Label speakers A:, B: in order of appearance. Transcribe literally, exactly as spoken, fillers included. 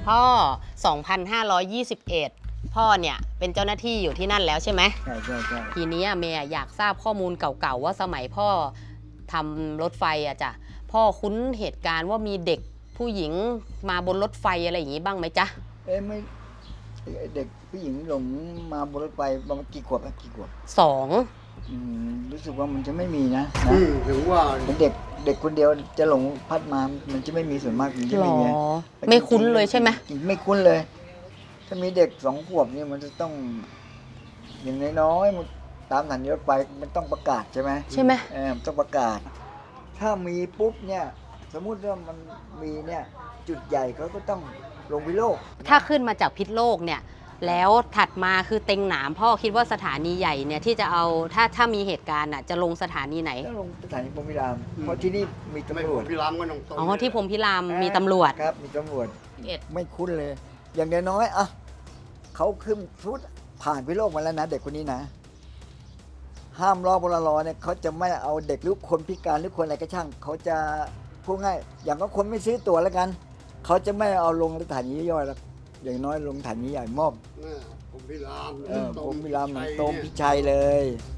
A: พ่อ สองพันห้าร้อยยี่สิบเอ็ด พ่อเนี่ยเป็นเจ้าหน้าที่อยู่ที่นั่นแล้วใช่ไหม
B: ใช่ใช่ใช่
A: ทีนี้เมย์อยากทราบข้อมูลเก่าๆว่าสมัยพ่อทำรถไฟอะจ้ะพ่อคุ้นเหตุการณ์ว่ามีเด็กผู้หญิงมาบนรถไฟอะไรอย่างนี้บ้างไหมจ๊ะ
B: เอ๊ะไม่เด็กผู้หญิงหลงมาบนรถไฟประมาณกี่ขวบอะกี่ขวบ
A: สอง
B: อืมรู้สึกว่ามันจะไม่มีนะนะ
C: อืมถึงว่า
B: เป็นเด็กเด็กคนเดียวจะหลงพัดมามันจะไม่มีส่วนมากมันจะ
A: หร
B: ไม่
A: อ
B: มี
A: ไม่คุ้นเลยใช่ไหม
B: ไม่คุ้นเลย ถ้ามีเด็กสองขวบนี่มันจะต้องอย่างน้อยๆมันตามสถานีรถไฟมันต้องประกาศใช่ไหม
A: ใช่ไหม
B: เออต้องประกาศ ถ้ามีปุ๊บเนี่ยสมมุติว่ามันมีเนี่ยจุดใหญ่เขาก็ต้องลงพิโลก
A: ถ้าขึ้นมาจากพิษโลกเนี่ยแล้วถัดมาคือเต็งหนามพ่อคิดว่าสถานีใหญ่เนี่ยที่จะเอาถ้าถ้ามีเหตุการณ์อ่ะจะลงสถานีไหน
B: ต้องลงสถานีพรหมพิรามเพราะที่นี่มีตำรวจ
C: พี่รามก็ต้องตรง
A: อ๋อที่พรหมพิรามมีตำรวจ
B: ครับมีตำรวจ
A: เอ็ด
B: ไม่คุ้นเลย อย่างน้อยๆอ่ะเขาขึ้นพุทผ่านพิโลกมาแล้วนะเด็กคนนี้นะห้ามรอพลรอเนี่ยเขาจะไม่เอาเด็กหรือคนพิการหรือคนอะไรก็ช่างเขาจะพูดง่ายอย่างก็คนไม่ซื้อตั๋วแล้วกันเขาจะไม่เอาลงสถานีย่อยแล้วอย่างน้อยลงสถานีใหญ่มอบ
C: ผมพี่ราม
B: เออผมพิรามหนองตมพิชัยเลย